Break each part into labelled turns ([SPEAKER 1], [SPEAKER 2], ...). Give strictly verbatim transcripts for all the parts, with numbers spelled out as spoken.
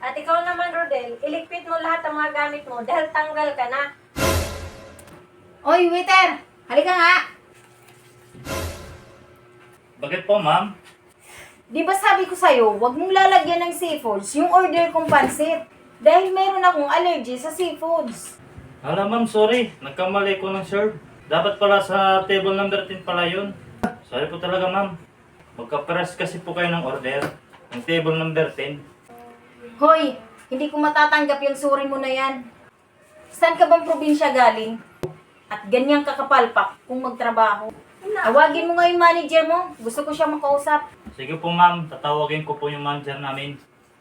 [SPEAKER 1] At ikaw naman, Rodel, iligpit mo lahat ng mga gamit mo dahil tanggal ka na.
[SPEAKER 2] Oy, waiter! Halika nga!
[SPEAKER 3] Bakit po, ma'am?
[SPEAKER 2] Di ba sabi ko sa'yo, huwag mong lalagyan ng seafoods yung order kong pansit. Dahil meron akong allergy sa seafoods.
[SPEAKER 3] Hala, ma'am, sorry. Nagkamali ko ng serve. Dapat pala sa table number ten pala yun. Sorry po talaga, ma'am. Magka-press kasi po kayo ng order. Ng table number ten.
[SPEAKER 2] Hoy, hindi ko matatanggap yung suri mo na yan. Saan ka bang probinsya galing? At ganyang kakapalpak kung magtrabaho. Tawagin mo nga yung manager mo. Gusto ko siya makausap.
[SPEAKER 3] Sige po, ma'am. Tatawagin ko po yung manager namin.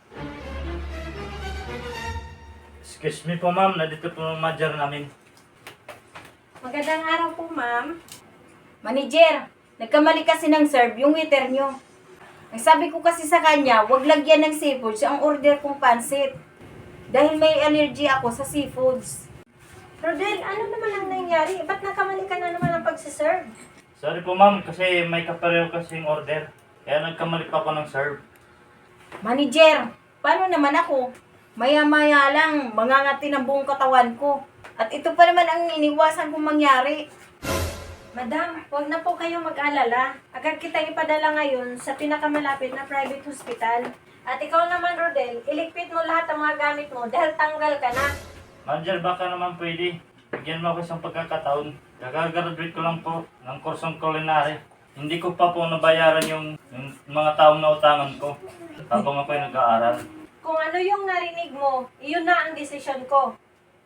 [SPEAKER 3] Excuse me po, ma'am. Nandito po yung manager namin.
[SPEAKER 1] Magandang araw po, ma'am.
[SPEAKER 2] Manager, nagkamali kasi ng serve yung waiter nyo. Ang sabi ko kasi sa kanya, huwag lagyan ng seafoods ang order kong pansit. Dahil may allergy ako sa seafoods.
[SPEAKER 1] Rodel, ano naman ang nangyari? Ba't nakamali ka na naman ang pagsiserve?
[SPEAKER 3] Sorry po, ma'am. Kasi may kapareho kasing order. Kaya nagkamali pa ako ng serve.
[SPEAKER 2] Manager, paano naman ako? Maya-maya lang, mangangati ng buong katawan ko. At ito pa naman ang iniwasan kong mangyari.
[SPEAKER 1] Madam, huwag na po kayong mag-alala. Agad kita ipadala ngayon sa pinakamalapit na private hospital. At ikaw naman, Rodel, iligpit mo lahat ng mga gamit mo dahil tanggal ka na.
[SPEAKER 3] Manager, baka naman pwede. Bigyan mo ako isang pagkakataon. Kaka-graduate ko lang po ng kursong culinary. Hindi ko pa po nabayaran yung, yung mga taong nautangan ko habang ako'y nag-aaral.
[SPEAKER 1] Kung ano yung narinig mo, iyon na ang desisyon ko.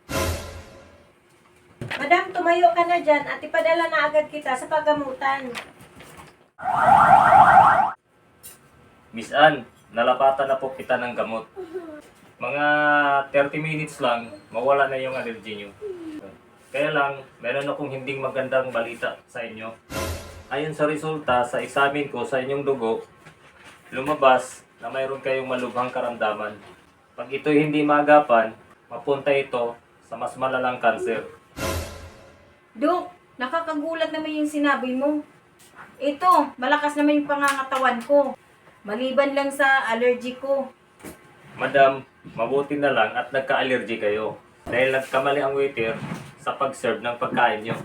[SPEAKER 1] Madam, tumayo ka na dyan at ipadala na agad kita sa paggamutan.
[SPEAKER 3] Miss Ann, nalapatan na po kita ng gamot. Mga thirty minutes lang, mawala na yung allergy nyo. Kaya lang, meron akong hindi magandang balita sa inyo. Ayon sa resulta sa examen ko sa inyong dugo, lumabas na mayroon kayong malubhang karamdaman. Pag ito'y hindi maagapan, mapunta ito sa mas malalang kanser.
[SPEAKER 2] Dok, nakakagulat naman yung sinabi mo. Ito, malakas naman yung pangangatawan ko. Maliban lang sa allergy ko.
[SPEAKER 3] Madam, mabuti na lang at nagka-allergy kayo dahil nagkamali ang waiter sa pag-serve ng pagkain nyo.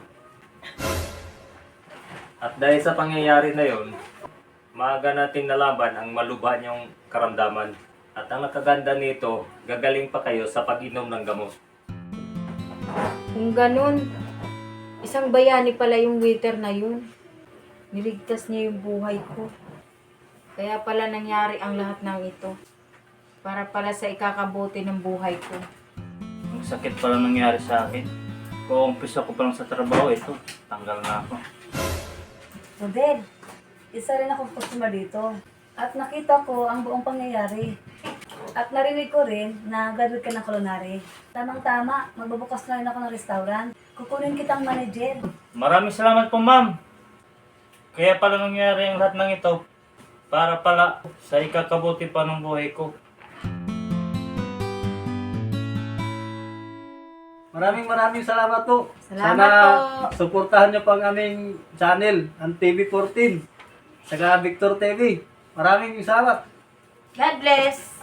[SPEAKER 3] At dahil sa pangyayari na yon, maaga natin nalaman ang malubha niyong karamdaman. At ang nakaganda nito, gagaling pa kayo sa pag-inom ng gamot.
[SPEAKER 2] Kung ganun, isang bayani pala yung waiter na yun. Niligtas niya yung buhay ko. Kaya pala nangyari ang lahat ng ito. Para pala sa ikakabuti ng buhay ko.
[SPEAKER 3] Ang sakit pala nangyari sa akin. Kung umpisa ko pa lang sa trabaho, ito, tanggal na ako.
[SPEAKER 4] Rodel, isa rin akong customer dito. At nakita ko ang buong pangyayari. At narinig ko rin na graduate ka ng culinary. Tamang-tama, magbubukas na rin ako ng restaurant. Kukunin kitang manager.
[SPEAKER 3] Maraming salamat po, ma'am. Kaya pala nangyari ang lahat ng ito para pala sa ikakabuti pa ng buhay ko.
[SPEAKER 5] Maraming maraming salamat po.
[SPEAKER 2] Salamat
[SPEAKER 5] Sana
[SPEAKER 2] po.
[SPEAKER 5] suportahan niyo pa ang aming channel, ang T V fourteen, saka Victor T V. Maraming salamat.
[SPEAKER 2] God bless!